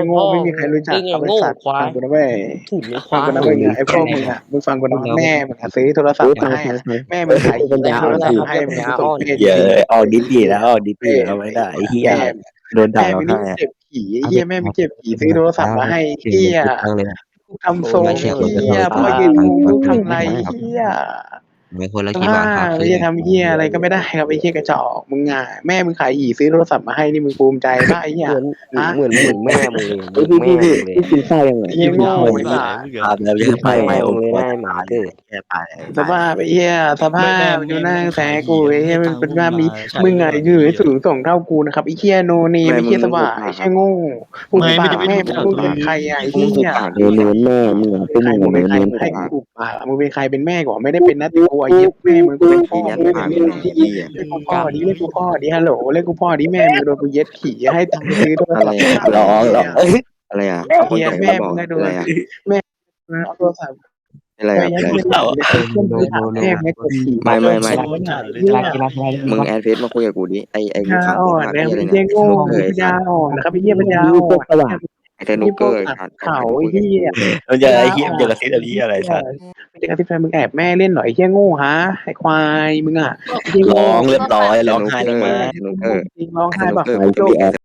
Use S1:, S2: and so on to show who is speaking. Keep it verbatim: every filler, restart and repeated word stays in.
S1: โง่ไม่มีใครรู้จักเอาไปสัตว์ฟังกูนะเว้ยฟังกูนะเว้ยไอ้พวกมึงอ่ะมึงฟังกูนะแม่มึงซื้อโทรศัพท์มาให้แม่มึงขายปัญญาโทรศัพท์มาให้มึงส่งเพศ
S2: เยอะออกดิบีแล้วออกดิบีแล้วไม่ได้ไอ้เหี้ยโดนด่า
S1: แม่
S2: เรา
S1: ไม่ได้
S2: ให้
S1: เจ็บขี่ไอ้เหี้ยแม่ไม่เจ็บขี่ซื้อโทรศัพท์มาให้เหี้ยทำทรงเหี้ยพ่อยืนงงลูกทำไรเหี้ย
S3: ไม่คนละ
S1: ส
S3: กี่
S1: ภา
S3: บาทครับ
S1: พไม่จะทำเหี้ยอะไรก็ไม่ได้ครับไอ้เหี้ยกระจอกมึงอ่ะแม่มึงขายหีซื้อโทรศัพท์มาให้นี่มึงภูมิใจป่ะไอ้เหี้ย
S4: เหมือนเหมือนแม่มึงเลยแม่มึงเลย
S5: กินข้าวยังไง
S1: ไอ้เหี้ยโง่ไอ้สัส
S2: พาแล้วยังไป
S4: แม่มึงเลยแม่หมาเกิด
S2: แค่ไป
S1: สภาพไอ้เหี้ยสภาพดูหน้าแสกูไอ้เหี้ยมันเป็นว่ามีมึงไงยืนสูงส่งเท่ากูนะครับไอ้เหี้ยโนเนมไอ้เหี้ยสว่าไอ้เหี้ยโง่พูดปากแม่มึงเป็นใครอ่ะไอ้เหี้ย
S5: เนื้อเนื้อแม่มึงอ่ะพวก
S1: ใคร
S5: มึง
S1: มึง
S5: เนื้
S1: เป็น
S5: อ
S1: ใคร
S5: เนื้อ
S1: มึงใครกูปากมึงเป็นใครเป็นแม่ก่อนไม่ได้เป็นนัดตัวไอ้เหี้ยแม่มึงเป็นพ่อมึงเป็นแม่เรียกกูพ่อดิเรียกกูพ่อดิฮัลโหลเรียกกูพ่อดิแม่มึงโดนกูเย็ดขี่ให้ตังค์ซื้อโทรศัพท์
S2: ร้องร้อง
S4: อะไรอ่ะ
S1: เฮียแม่มึงก็โดนแม่เอาโทรศัพท์
S4: อะไร
S1: ไป
S4: อ่ะ
S1: ยัดเงินแม่ไม่กดขี่
S4: ไม่ไม่ไม่
S1: เฮีย
S4: มึงแอดเฟซมาคุยกับกูดิไอไอ
S1: ปัญ
S4: ข่า
S1: ญาว อ่อนนะพี่เฮียโง่ปัญญาอ่อนนะครับพี่เฮียปัญญาอ่อน
S4: ไอเทนุกเกอร์
S1: เขาเฮีย
S2: มันจะไอ้เหี้ยมันจะกระซิบอะไรอะไรสัตว์
S1: มันจะกระซิบแฟนมึงแอบแม่เล่นหน่อยเฮียโง่ฮะไอควายมึงอ่ะ
S2: ร้องเรียบร้อยร้องไห้ลงมา
S4: เทนุกเกอร์
S1: จริงร้องไห้แบบ
S5: ไอ้ที่แอ